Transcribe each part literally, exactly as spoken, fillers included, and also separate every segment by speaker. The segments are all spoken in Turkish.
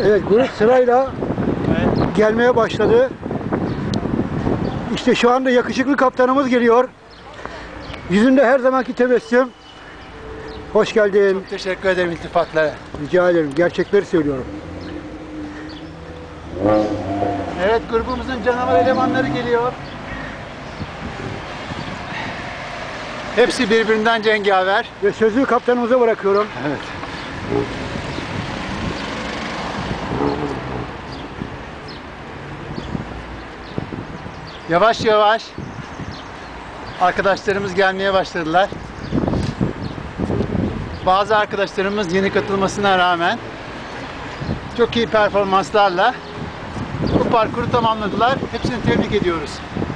Speaker 1: Evet, grup sırayla evet. gelmeye başladı. İşte şu anda yakışıklı kaptanımız geliyor. Yüzünde her zamanki tebessüm. Hoş geldin.
Speaker 2: Çok teşekkür ederim iltifatlara.
Speaker 1: Rica ederim. Gerçekleri söylüyorum.
Speaker 2: Evet, grubumuzun canavar elemanları geliyor. Hepsi birbirinden cengaver.
Speaker 1: Ve sözü kaptanımıza bırakıyorum.
Speaker 2: Evet. Yavaş yavaş arkadaşlarımız gelmeye başladılar. Bazı arkadaşlarımız yeni katılmasına rağmen çok iyi performanslarla bu parkuru tamamladılar. Hepsini tebrik ediyoruz.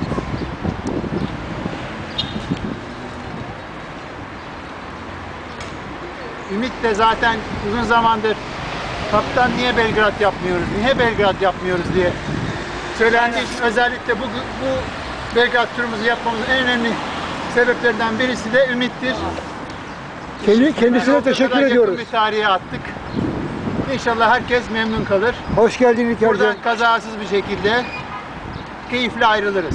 Speaker 2: Ümit de zaten uzun zamandır kaptan niye Belgrad yapmıyoruz, niye Belgrad yapmıyoruz diye söylendiği için özellikle bu, bu Belgrad turumuzu yapmamızın en önemli sebeplerinden birisi de Ümit'tir.
Speaker 1: Kendi, kendisine teşekkür ediyoruz.
Speaker 2: Yakın bir tarihe attık. İnşallah herkes memnun kalır.
Speaker 1: Hoş geldin İlker'cim.
Speaker 2: Buradan kazasız bir şekilde keyifle ayrılırız.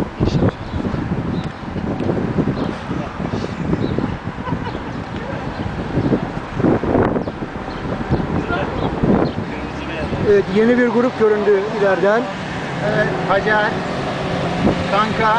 Speaker 1: Evet, yeni bir grup göründü ileriden.
Speaker 2: Evet, Hacer, Kanka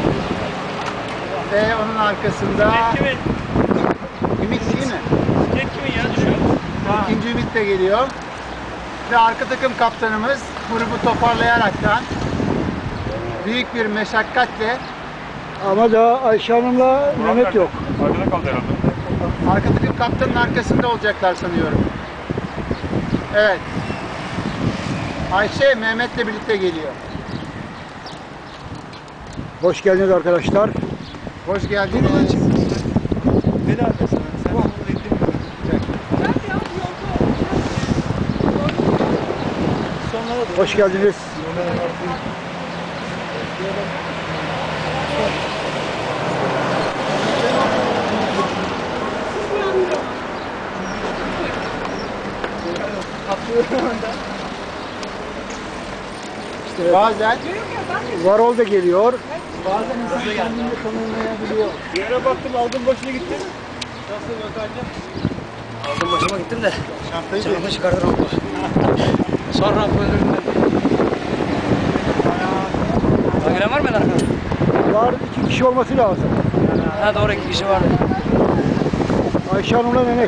Speaker 2: ve onun arkasında Ümit değil mi?
Speaker 3: Kimin ya düşüyor?
Speaker 2: İkinci Ümit de geliyor. Ve arka takım kaptanımız grubu toparlayaraktan büyük bir meşakkatle,
Speaker 1: Ama daha Ayşe Hanım'la Mehmet yok.
Speaker 3: Arkada kaldı herhalde.
Speaker 2: arka takım kaptanın arkasında olacaklar sanıyorum. Evet. Ayşe Mehmet'le birlikte geliyor.
Speaker 1: Hoş geldiniz arkadaşlar.
Speaker 2: Hoş geldiniz.
Speaker 3: Ne de arkasına? Sen onu bekliyorsun. Sonlara doğru.
Speaker 1: Hoş geldiniz.
Speaker 2: İşte bazen
Speaker 1: Varol da geliyor.
Speaker 2: bazen insan kendini tanımlayabiliyor.
Speaker 3: Bir yere baktım aldım başına gittim. Nasıl Gökhan'cığım?
Speaker 4: Aldım başıma gittim de
Speaker 2: Şantayı
Speaker 4: canımı çıkardı ramplar. Son rampa önümden. Giren var mı arkada?
Speaker 1: Var, iki kişi olması lazım.
Speaker 4: Ha doğru iki kişi vardı.
Speaker 1: Ayşe Hanım'la Mehmet.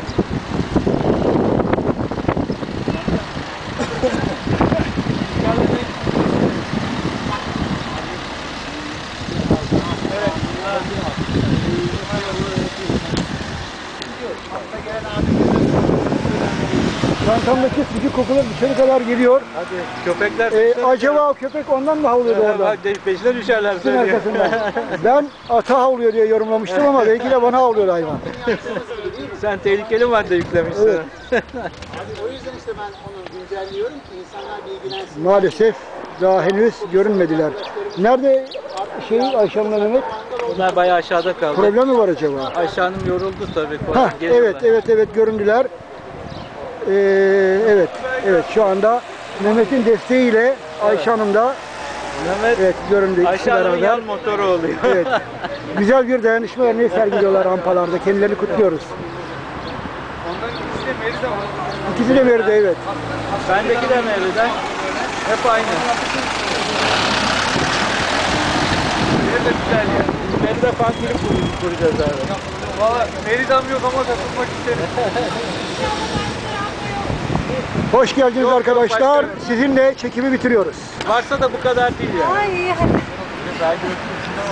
Speaker 1: Çantamdaki sıcak kokular dışarı kadar geliyor.
Speaker 3: Hadi köpekler.
Speaker 1: Ee, acaba o köpek ondan mı havlıyordu orada?
Speaker 3: Peşine düşerler
Speaker 1: Sizin arkasından. Ben ata havlıyor diye yorumlamıştım ama belki de bana havlıyordu hayvan.
Speaker 3: Sen tehlikeli madde yüklemişsin.
Speaker 1: Evet.
Speaker 2: O yüzden işte ben onu güncelliyorum ki insanlar bilgilensin.
Speaker 1: Maalesef daha henüz görünmediler. Nerede şey Ayşe Hanım'la Mehmet?
Speaker 3: Bunlar bayağı aşağıda kaldı.
Speaker 1: Problem mi var acaba?
Speaker 3: Ayşe Hanım yoruldu tabii.
Speaker 1: Ha, evet evet evet göründüler. Ee, evet evet şu anda Mehmet'in desteğiyle Ayşe Hanım da
Speaker 3: Mehmet
Speaker 1: evet göründü ikisi
Speaker 3: Ayşe Hanım'ın
Speaker 1: beraber.
Speaker 3: yan motoru oluyor.
Speaker 1: Evet. Güzel bir dayanışma örneği sergiliyorlar rampalarda. Kendilerini kutluyoruz.
Speaker 2: Onların ikisi de Merida var.
Speaker 1: İkisi de verdi evet.
Speaker 3: Bendeki de Mevlüt'ten. Hep aynı. Nerede güzel ya. Merida fan kulüp kur- kuracağız abi.
Speaker 2: Valla Merida'm yok ama katılmak isterim.
Speaker 1: Hoş geldiniz
Speaker 3: Yok, yok,
Speaker 1: arkadaşlar.
Speaker 3: başkanım.
Speaker 1: Sizinle çekimi bitiriyoruz.
Speaker 3: Varsa da bu kadar değil yani.
Speaker 5: Ay,
Speaker 3: Saygı